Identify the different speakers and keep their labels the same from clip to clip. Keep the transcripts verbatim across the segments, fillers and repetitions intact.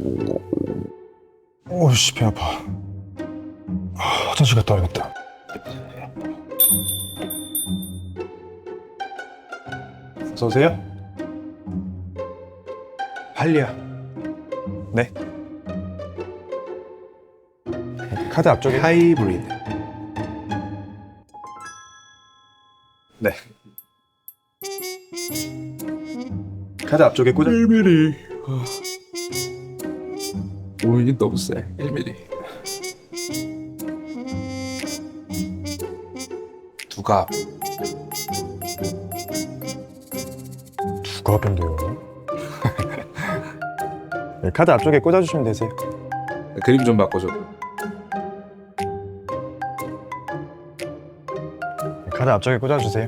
Speaker 1: 오씨, 배 아파. 아, 화장실 갔다 와야겠다. 어서 오세요. 빨리요. 네. 카드 앞쪽에 하이브리드. 네. 카드 앞쪽에 꽂아.
Speaker 2: 일 밀리미터. 오인이 너무 세. 일 밀리미터.
Speaker 1: 두갑. 두갑인데요. 네, 카드 앞쪽에 꽂아주시면 되세요.
Speaker 2: 그림 좀 바꿔줘.
Speaker 1: 네, 카드 앞쪽에 꽂아주세요.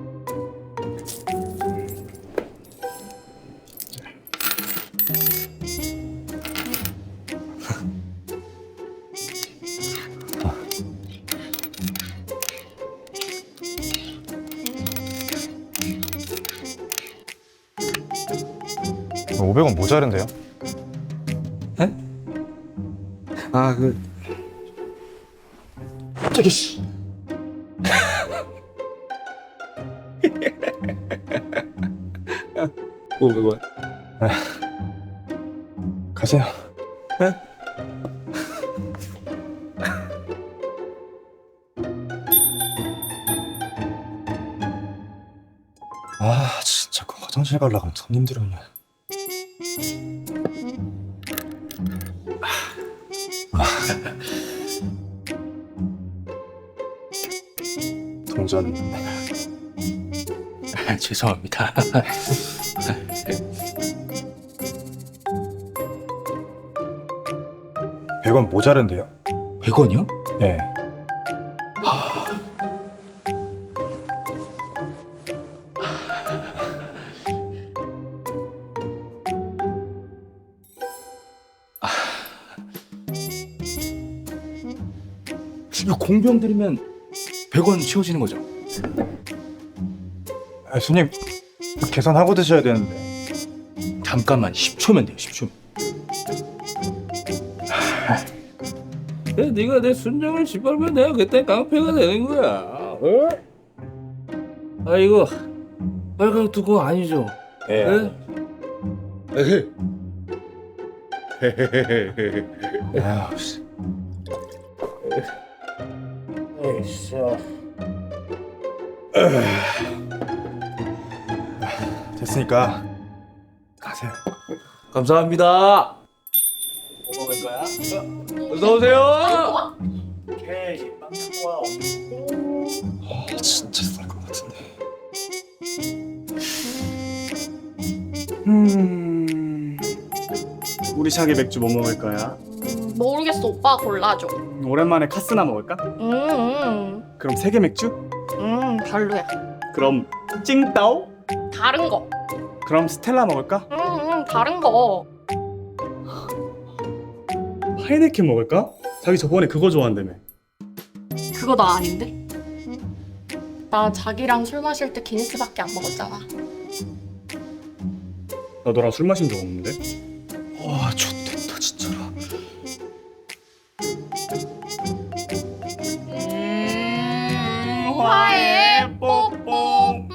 Speaker 1: 오백 원 모자른데요?
Speaker 2: 에? 아, 그
Speaker 1: 저기 씨.
Speaker 2: 오백 원.
Speaker 1: 가세요.
Speaker 2: 에?
Speaker 1: 아, 진짜 그 화장실 가려고 하면 손님들은요. 동전.
Speaker 2: 죄송합니다.
Speaker 1: 백 원 모자른데요?
Speaker 2: 백 원이요?
Speaker 1: 네.
Speaker 2: 이거 공병 들이면 백 원 치워지는 거죠?
Speaker 1: 아, 손님 계산하고 드셔야 되는데.
Speaker 2: 잠깐만, 십 초면 돼요. 십 초. 네가 내 순정을 짓밟으면 내가 그때 깡패가 되는 거야. 어? 아 이거 빨간 뚜껑 아니죠?
Speaker 1: 예.
Speaker 2: 네?
Speaker 1: 아유, 씨. 됐으니까 가세요.
Speaker 2: 감사합니다. 뭐 먹을 거야? 어서 오세요.
Speaker 3: 오케이, 빵 좋아.
Speaker 1: 아, 진짜 쌀 것 같은데.
Speaker 3: 음, 우리 샤기 맥주 뭐 먹을 거야?
Speaker 4: 모르겠어. 오빠가 골라줘.
Speaker 3: 음, 오랜만에 카스나 먹을까?
Speaker 4: 음, 음,
Speaker 3: 그럼 세계 맥주?
Speaker 4: 음, 별로야.
Speaker 3: 그럼 찡따오?
Speaker 4: 다른 거.
Speaker 3: 그럼 스텔라 먹을까?
Speaker 4: 음, 음, 다른 거.
Speaker 3: 하이네켄 먹을까? 자기 저번에 그거 좋아한다며.
Speaker 4: 그거 나 아닌데? 나 자기랑 술 마실 때 기니스밖에 안 먹었잖아.
Speaker 3: 나 너랑 술 마신 적 없는데?
Speaker 1: 와, 좋겠다 진짜로.
Speaker 4: 음, 화해 뽀뽀. 음.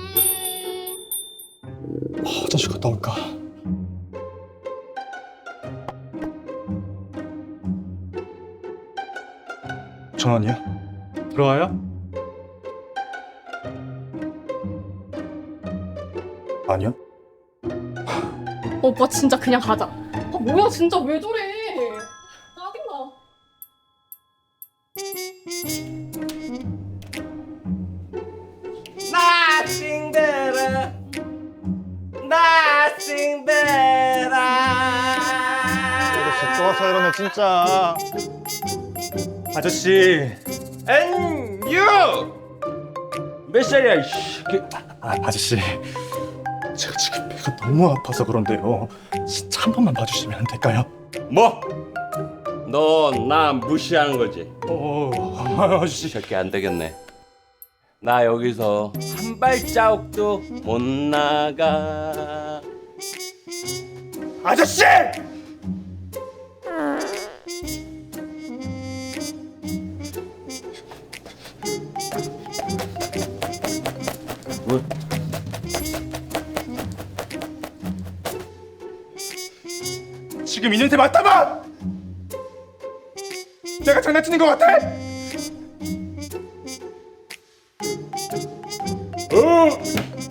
Speaker 1: 아, 화장실 갔다 올까? 전원이요?
Speaker 3: 들어와요?
Speaker 1: 아니요.
Speaker 4: 오빠 진짜 그냥 가자. 아, 뭐야 진짜 왜 저래? 짜증나.
Speaker 2: Nothing better, nothing better.
Speaker 1: 아저씨 또 와서 이러네 진짜. 아저씨.
Speaker 2: And you. 몇 살이야 이씨.
Speaker 1: 아, 아저씨. 제가 지금 배가 너무 아파서 그런데요. 진짜 한 번만 봐주시면 안 될까요?
Speaker 5: 뭐? 너 나 무시하는 거지?
Speaker 1: 어, 아저씨.
Speaker 5: 저게 안 되겠네. 나 여기서 한 발자국도 못 나가.
Speaker 1: 아저씨!
Speaker 2: 뭐?
Speaker 1: 지금 이 냄새 맡아봐! 내가 장난치는 것 같아?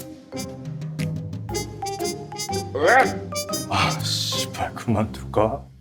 Speaker 1: 아 씨발 그만둘까?